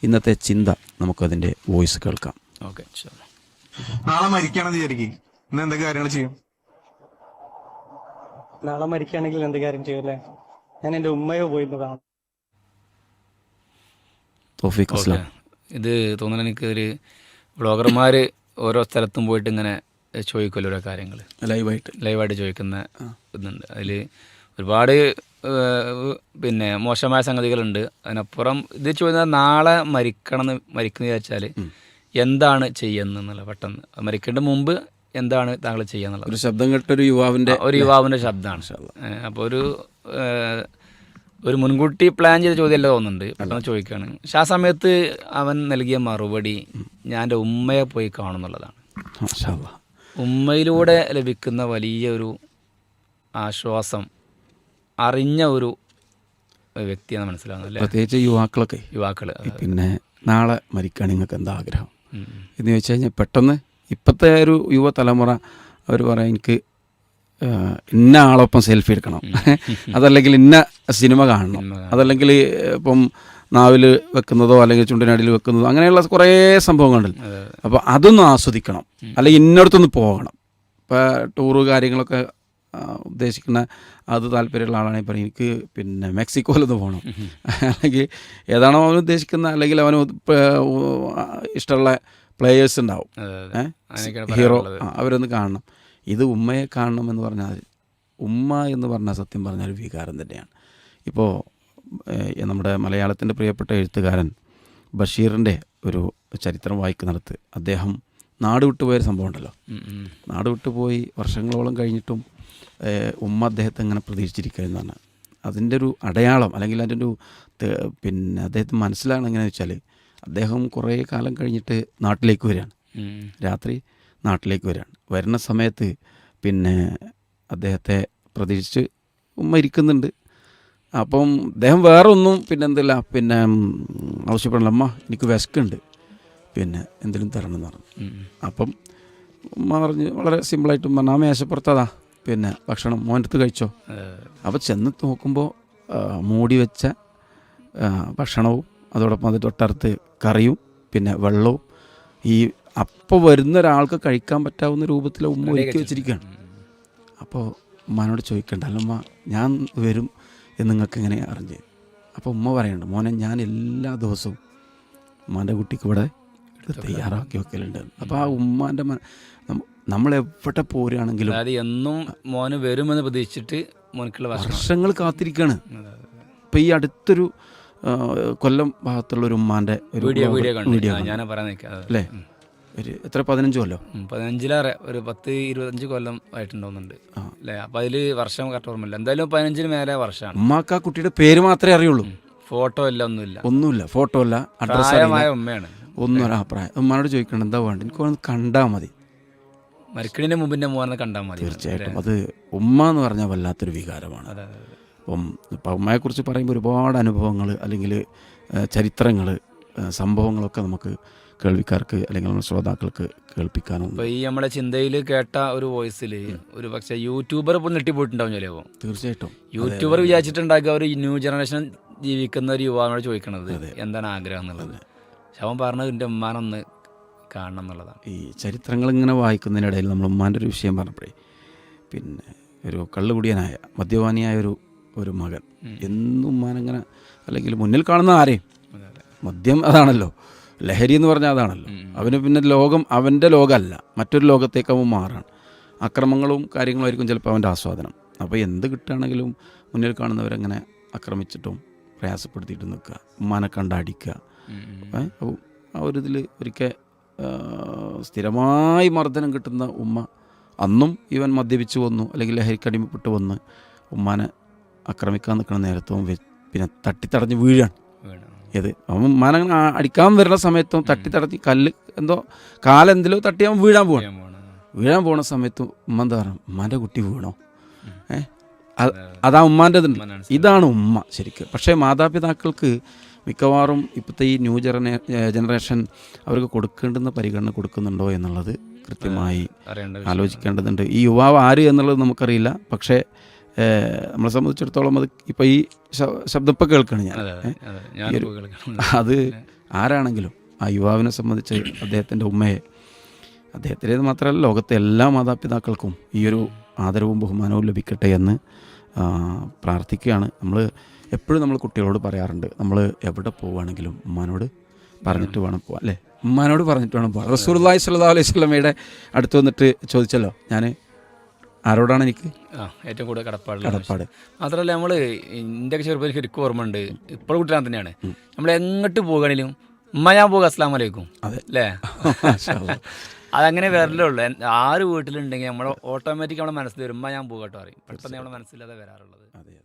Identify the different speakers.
Speaker 1: ഇന്നത്തെ ചിന്ത നമുക്കതിൻ്റെ വോയിസ് കേൾക്കാം.
Speaker 2: ഓക്കെ.
Speaker 3: നാളെ മരിക്കുകയാണെന്ന് വിചാരിക്കും, ഇന്ന് എന്തൊക്കെ കാര്യങ്ങൾ ചെയ്യും?
Speaker 4: നാളെ മരിക്കുകയാണെങ്കിൽ എന്ത് കാര്യം ചെയ്യൂല്ലേ? ഞാൻ എൻ്റെ ഉമ്മയോ പോയിരുന്നു കാണാം.
Speaker 1: തൗഫീഖ് അസ്ലാം.
Speaker 2: ഇത് തോന്നുന്നു എനിക്ക് ഒരു വ്ളോഗർമാർ ഓരോ സ്ഥലത്തും പോയിട്ട് ഇങ്ങനെ ചോദിക്കുമല്ലോ ഓരോ കാര്യങ്ങൾ ലൈവായിട്ട് ചോദിക്കുന്ന ഇതുണ്ട്. അതിൽ ഒരുപാട് പിന്നെ മോശമായ സംഗതികളുണ്ട്. അതിനപ്പുറം ഇത് ചോദിക്കുന്നത് നാളെ മരിക്കണം എന്ന് വിചാരിച്ചാൽ എന്താണ് ചെയ്യുന്നതെന്നുള്ള പെട്ടെന്ന് മരിക്കേണ്ട മുമ്പ് എന്താണ് താങ്കൾ ചെയ്യാന്നുള്ളത്
Speaker 1: ഒരു ശബ്ദം കേട്ടൊരു യുവാവിൻ്റെ
Speaker 2: ശബ്ദമാണ്. അപ്പോൾ ഒരു മുൻകൂട്ടി പ്ലാൻ ചെയ്ത ചോദ്യമല്ല തോന്നുന്നുണ്ട്, പെട്ടെന്ന് ചോദിക്കുകയാണ്. പക്ഷെ ആ സമയത്ത് അവൻ നൽകിയ മറുപടി ഞാൻ എൻ്റെ ഉമ്മയെ പോയി കാണുന്നുള്ളതാണ്. ഉമ്മയിലൂടെ ലഭിക്കുന്ന വലിയൊരു ആശ്വാസം അറിഞ്ഞ ഒരു വ്യക്തിയാണ് മനസ്സിലാവുന്നത്.
Speaker 1: പ്രത്യേകിച്ച് യുവാക്കൾ പിന്നെ നാളെ മരിക്കാൻ നിങ്ങൾക്ക് എന്താ ആഗ്രഹം എന്ന് ചോദിച്ചു കഴിഞ്ഞാൽ പെട്ടെന്ന് ഇപ്പോഴത്തെ ഒരു യുവതലമുറ അവർ പറയാം എനിക്ക് ഇന്ന ആളൊപ്പം സെൽഫി എടുക്കണം, അതല്ലെങ്കിൽ ഇന്ന സിനിമ കാണണം, അതല്ലെങ്കിൽ ഇപ്പം നാവിൽ വെക്കുന്നതോ അല്ലെങ്കിൽ ചുണ്ടിനടിയിൽ വെക്കുന്നതോ അങ്ങനെയുള്ള കുറേ സംഭവങ്ങളുണ്ടല്ലോ. അപ്പോൾ അതൊന്നും ആസ്വദിക്കണം, അല്ലെങ്കിൽ ഇന്നടത്തൊന്ന് പോകണം. ഇപ്പോൾ ടൂറ് കാര്യങ്ങളൊക്കെ ഉദ്ദേശിക്കുന്ന അത് താല്പര്യമുള്ള ആളാണെങ്കിൽ പറയും എനിക്ക് പിന്നെ മെക്സിക്കോയിലൊന്ന് പോകണം, അല്ലെങ്കിൽ ഏതാണോ അവൻ ഉദ്ദേശിക്കുന്ന, അല്ലെങ്കിൽ അവന് ഇഷ്ടമുള്ള പ്ലേയേഴ്സ് ഉണ്ടാവും, ഹീറോ, അവരൊന്ന് കാണണം. ഇത് ഉമ്മയെ കാണണം എന്ന് പറഞ്ഞാൽ ഉമ്മ എന്ന് പറഞ്ഞാൽ സത്യം പറഞ്ഞാൽ ഒരു വികാരം തന്നെയാണ്. ഇപ്പോൾ നമ്മുടെ മലയാളത്തിൻ്റെ പ്രിയപ്പെട്ട എഴുത്തുകാരൻ ബഷീറിൻ്റെ ഒരു ചരിത്രം വായിക്കുന്നിടത്ത് അദ്ദേഹം നാട് വിട്ടുപോയൊരു സംഭവം ഉണ്ടല്ലോ. നാട് വിട്ടുപോയി വർഷങ്ങളോളം കഴിഞ്ഞിട്ടും ഉമ്മ അദ്ദേഹത്തെ ഇങ്ങനെ പ്രതീക്ഷിച്ചിരിക്കുന്നതാണ്. അതിൻ്റെ ഒരു അടയാളം അല്ലെങ്കിൽ അതിൻ്റെ ഒരു പിന്നെ അദ്ദേഹത്തിന് മനസ്സിലാണ് എങ്ങനെയാണെന്ന് വെച്ചാൽ അദ്ദേഹം കുറേ കാലം കഴിഞ്ഞിട്ട് നാട്ടിലേക്ക് വരികയാണ്, രാത്രി നാട്ടിലേക്ക് വരികയാണ്. വരുന്ന സമയത്ത് പിന്നെ അദ്ദേഹത്തെ പ്രതീക്ഷിച്ച് ഉമ്മ ഇരിക്കുന്നുണ്ട്. അപ്പം അദ്ദേഹം വേറെ ഒന്നും പിന്നെ എന്തില്ല പിന്നെ ആവശ്യപ്പെടണം, അമ്മ എനിക്ക് വിശക്കുണ്ട്, പിന്നെ എന്തെങ്കിലും തരണം എന്ന് പറഞ്ഞു. അപ്പം ഉമ്മ പറഞ്ഞ് വളരെ സിമ്പിളായിട്ടും പറഞ്ഞു ആ മേശപ്പുറത്തതാ പിന്നെ ഭക്ഷണം മോനടുത്ത് കഴിച്ചോ. അപ്പോൾ ചെന്ന് നോക്കുമ്പോൾ മൂടി വെച്ച ഭക്ഷണവും അതോടൊപ്പം അത് തൊട്ടടുത്ത് കറിയും പിന്നെ വെള്ളവും ഈ അപ്പോൾ വരുന്ന ഒരാൾക്ക് കഴിക്കാൻ പറ്റാവുന്ന രൂപത്തിൽ ഉമ്മ ഒരുക്കി വെച്ചിരിക്കുകയാണ്. അപ്പോൾ ഉമ്മാനോട് ചോദിക്കണ്ട, അല്ലമ്മ ഞാൻ വരും എന്ന് നിങ്ങൾക്ക് എങ്ങനെ അറിഞ്ഞ്? അപ്പോൾ ഉമ്മ പറയുന്നുണ്ട്, മോനെ ഞാൻ എല്ലാ ദിവസവും ഉമ്മാൻ്റെ കുട്ടിക്ക് ഇവിടെ തയ്യാറാക്കി വെക്കലുണ്ട്. അപ്പോൾ ആ ഉമ്മാൻ്റെ നമ്മളെവിടെ പോരുകയാണെങ്കിലും
Speaker 2: എന്നും മോന് വരുമെന്ന് പ്രതീക്ഷിച്ചിട്ട്
Speaker 1: വർഷങ്ങൾ കാത്തിരിക്കുകയാണ്. ഇപ്പം ഈ അടുത്തൊരു കൊല്ലം ഭാഗത്തുള്ള ഒരു ഉമ്മാൻ്റെ ഒരു വീഡിയോ അല്ലേ, ഒരു എത്ര 15 കൊല്ലം
Speaker 2: 15 ഒരു 10-25 കൊല്ലം ആയിട്ടുണ്ടോന്നുണ്ട് അല്ലേ. അപ്പം അതിൽ വർഷം കറക്റ്റ് ഓർമ്മയില്ല, എന്തായാലും 15 മേലെ വർഷമാണ്.
Speaker 1: ഉമ്മാക്ക് ആ കുട്ടിയുടെ പേര് മാത്രമേ അറിയുള്ളൂ,
Speaker 2: ഫോട്ടോ ഇല്ല, ഒന്നുമില്ല,
Speaker 1: ഫോട്ടോ ഇല്ല,
Speaker 2: അഡ്രസ്സ് ഉമ്മയാണ്.
Speaker 1: ഒന്നും ഒരഭിപ്രായം ഉമ്മാനോട് ചോദിക്കണം എന്താ വേണ്ട, എനിക്കൊന്ന് കണ്ടാൽ മതി,
Speaker 2: മരിക്കണിൻ്റെ മുമ്പിൻ്റെ മോനെ കണ്ടാൽ മതി.
Speaker 1: തീർച്ചയായിട്ടും അത് ഉമ്മ എന്ന് പറഞ്ഞാൽ വല്ലാത്തൊരു വികാരമാണ്. ഇപ്പം ഉമ്മയെക്കുറിച്ച് പറയുമ്പോൾ ഒരുപാട് അനുഭവങ്ങൾ അല്ലെങ്കിൽ ചരിത്രങ്ങൾ സംഭവങ്ങളൊക്കെ നമുക്ക് കേൾവിക്കാർക്ക് അല്ലെങ്കിൽ നമ്മുടെ ശ്രോതാക്കൾക്ക് കേൾപ്പിക്കാനും.
Speaker 2: ഇപ്പോൾ ഈ നമ്മുടെ ചിന്തയിൽ കേട്ട ഒരു വോയിസിൽ ഒരു പക്ഷേ യൂട്യൂബർ ഇപ്പോൾ നെട്ടിപ്പോയിട്ടുണ്ടാവും ചിലപ്പോൾ.
Speaker 1: തീർച്ചയായിട്ടും
Speaker 2: യൂട്യൂബർ വിചാരിച്ചിട്ടുണ്ടാക്കുക ഒരു ന്യൂ ജനറേഷൻ ജീവിക്കുന്ന ഒരു യുവാവിനോട് ചോദിക്കണത് എന്താണ് ആഗ്രഹം എന്നുള്ളത്. ശവൻ പറഞ്ഞത് എൻ്റെ ഉമ്മാനൊന്ന് കാണണം എന്നുള്ളതാണ്.
Speaker 1: ഈ ചരിത്രങ്ങൾ ഇങ്ങനെ വായിക്കുന്നതിനിടയിൽ നമ്മൾ ഉമ്മാൻ്റെ ഒരു വിഷയം പറഞ്ഞപ്പോഴേ പിന്നെ ഒരു കള്ളുകുടിയനായ മദ്യപാനിയായ ഒരു മകൻ എന്നും ഉമ്മാനങ്ങനെ അല്ലെങ്കിൽ മുന്നിൽ കാണുന്ന ആരെയും മദ്യം അതാണല്ലോ, ലഹരി എന്ന് പറഞ്ഞാൽ അതാണല്ലോ. അവന് പിന്നെ ലോകം അവൻ്റെ ലോകമല്ല, മറ്റൊരു ലോകത്തേക്ക് അവൻ മാറാണ്. അക്രമങ്ങളും കാര്യങ്ങളായിരിക്കും ചിലപ്പോൾ അവൻ്റെ ആസ്വാദനം. അപ്പോൾ എന്ത് കിട്ടുകയാണെങ്കിലും മുന്നിൽ കാണുന്നവരങ്ങനെ ആക്രമിച്ചിട്ടും പ്രയാസപ്പെടുത്തിയിട്ട് നിൽക്കുക, ഉമ്മാനെ കണ്ടടിക്കുക. അപ്പോൾ ആ ഒരു ഇതിൽ ഒരിക്കൽ സ്ഥിരമായി മർദ്ദനം കിട്ടുന്ന ഉമ്മ അന്നും ഇവൻ മദ്യപിച്ച് വന്നു അല്ലെങ്കിൽ ലഹരിക്കടിമപ്പെട്ട് വന്ന് ഉമ്മാനെ ആക്രമിക്കാൻ നിൽക്കുന്ന നേരത്തും പിന്നെ തട്ടിത്തടഞ്ഞ് വീഴാണ്. ഏത് അവൻ ഉമ്മാനങ്ങനെ അടിക്കാൻ വരുന്ന സമയത്തും തട്ടിത്തടഞ്ഞ് കാലെന്തിലോ തട്ടി അവൻ വീഴാൻ പോണ സമയത്തും ഉമ്മ എന്താ പറയുക, ഉമ്മാൻ്റെ കുട്ടി വീണോ, അതാ ഉമ്മാൻ്റെതുണ്ട്. ഇതാണ് ഉമ്മ ശരിക്കും. പക്ഷേ മാതാപിതാക്കൾക്ക് മിക്കവാറും ഇപ്പോഴത്തെ ഈ ന്യൂ ജനറേഷൻ അവർക്ക് കൊടുക്കേണ്ടുന്ന പരിഗണന കൊടുക്കുന്നുണ്ടോ എന്നുള്ളത് കൃത്യമായി ആലോചിക്കേണ്ടതുണ്ട്. ഈ യുവാവ് ആര് എന്നുള്ളത് നമുക്കറിയില്ല, പക്ഷേ നമ്മളെ സംബന്ധിച്ചിടത്തോളം അത് ഇപ്പോൾ ഈ ശബ്ദം ഇപ്പോൾ കേൾക്കണം ഞാൻ. അത് ആരാണെങ്കിലും ആ യുവാവിനെ സംബന്ധിച്ച് അദ്ദേഹത്തിൻ്റെ ഉമ്മയെ, അദ്ദേഹത്തിൻ്റേത് മാത്രമല്ല ലോകത്തെ എല്ലാ മാതാപിതാക്കൾക്കും ഈ ഒരു ആദരവും ബഹുമാനവും ലഭിക്കട്ടെ എന്ന് പ്രാർത്ഥിക്കുകയാണ്. നമ്മൾ എപ്പോഴും നമ്മൾ കുട്ടികളോട് പറയാറുണ്ട്, നമ്മൾ എവിടെ പോവുകയാണെങ്കിലും ഉമ്മാനോട് പറഞ്ഞിട്ട് വേണം പോകാൻ, അല്ലേ? ഉമ്മാനോട് പറഞ്ഞിട്ട് വേണം പോകാൻ. റസൂലുള്ളാഹി സ്വല്ലല്ലാഹു അലൈഹി വസല്ലമയുടെ അടുത്ത് വന്നിട്ട് ചോദിച്ചല്ലോ, ഞാൻ ആരോടാണ് എനിക്ക്
Speaker 2: ഏറ്റവും കൂടുതൽ കടപ്പാട്. മാത്രമല്ല നമ്മൾ ഇന്ത്യക്ക് ചെറുപ്പം ശരിക്കും ഓർമ്മ ഉണ്ട്, ഇപ്പോഴും കുട്ടികൾ തന്നെയാണ്, നമ്മൾ എങ്ങോട്ട് പോകുകയാണെങ്കിലും ഉമ്മ ഞാൻ പോകുക അസ്സലാമു അലൈക്കും, അല്ലേ? അതങ്ങനെ വരലേ ഉള്ളൂ. ആര് വീട്ടിലുണ്ടെങ്കിൽ നമ്മൾ ഓട്ടോമാറ്റിക് നമ്മുടെ മനസ്സിൽ വരും ഉമ്മ ഞാൻ പോകട്ടോ പറയും, പെട്ടെന്ന് നമ്മുടെ മനസ്സിലത് വരാറുള്ളത്.